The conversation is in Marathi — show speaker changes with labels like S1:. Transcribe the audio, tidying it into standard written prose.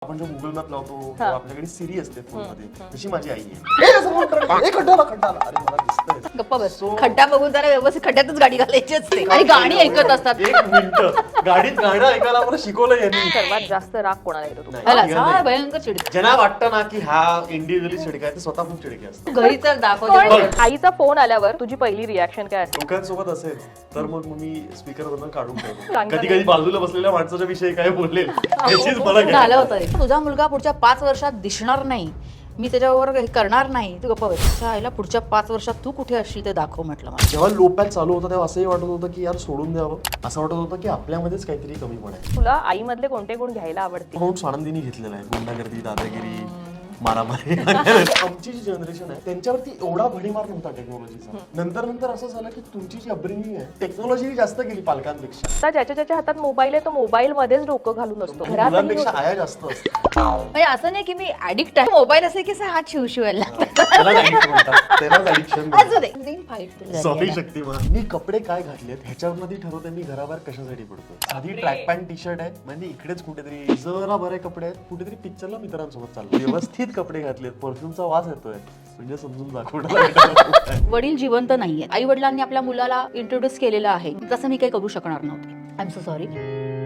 S1: आपण जो गुगल मॅप लावतो तेव्हा आपल्याकडे सिरी असते फोनमध्ये, तशी माझी आई आहे. ए, समोर खड्डा, ए, खड्डा आला, खड्डा आला. अरे मला दिसतंय.
S2: गप्पा बस. खड्डा बघून जरा व्यवस्थित खड्ड्यातच गाडी घालायची असते आणि गाणी ऐकत असतात.
S1: एक मिनिट, गाडीत गाणं ऐकायला मला शिकवलं यांनी.
S3: सर्वात जास्त राग कोणाला येतो तुम्हाला?
S1: नाही,
S2: ह्याला
S1: नाही.
S2: काय भयंकर चिडते.
S1: ज्यांना वाटतं ना की हा इंडिव्हिज्युअली चिडका आहे, ते स्वतः खूप चिडके असतात.
S2: घरी तर दाखवते.
S3: पण आईचा फोन आल्यावर तुझी पहिली रिॲक्शन काय असते?
S1: लोकांसोबत असेल तर मग मी स्पीकरवरून काढून ठेवतो.
S3: सांगा
S1: कधी कधी बाजूला बसलेल्या माणसाच्या विषयी काय बोलले याचीच मला
S2: झालं
S1: घ्या.
S2: होतं रे. तुझा मुलगा पुढच्या 5 वर्षात दिसणार नाही, मी त्याच्यावर हे करणार नाही, तू गप्पा बस. तुझ्या आईला पुढच्या 5 वर्षात तू कुठे असशील ते दाखव म्हटलं मला.
S1: जेव्हा लो पॅक चालू होता तेव्हा असंही वाटत होतं की यार सोडून द्यावं, असं वाटत होतं की आपल्यामध्येच काहीतरी कमी पडायचं.
S3: तुला आईमधले कोणते गुण घ्यायला आवडते?
S1: म्हणून आनंदीने घेतलेला आहे. गुंडागर्दी, दादागिरी, मारामारी. आमची जी जनरेशन आहे त्यांच्यावरती एवढा भडीमार नव्हता टेक्नॉलॉजीचा. नंतर नंतर असं झालं की तुमची जी अपब्रिंगिंग आहे टेक्नॉलॉजी जास्त गेली पालकांपेक्षा.
S3: आता ज्याच्या हातात मोबाईल आहे तो मोबाईल मध्येच डोकं घालून असतो. घरात
S1: मुलांपेक्षा आया जास्त असतात.
S2: म्हणजे असं नाही की मी ऍडिक्ट आहे. मोबाईल असे की हात शिवशिवायला
S1: त्यालाच addict म्हणतात. त्यालाच addiction
S2: असू दे. देईन fight तुला.
S1: सॉरी शक्तिमान. मी कपडे काय घातलेत ह्याच्यावर ठरवते मी घराबाहेर कशासाठी पडतो. साधी ट्रॅक पॅन्ट टी शर्ट आहे म्हणजे इकडेच कुठेतरी जरा बरे कपडे आहेत, कुठेतरी पिक्चरला मित्रांसोबत चाललो, व्यवस्थित कपडे घातलेत, परफ्यूमचा वास येतोय म्हणजे समजून दाखवणार.
S2: वडील जिवंत नाहीये. आई वडिलांनी आपल्या मुलाला इंट्रोड्यूस केलेलं आहे, तसं मी काही करू शकणार नव्हते. I am so sorry.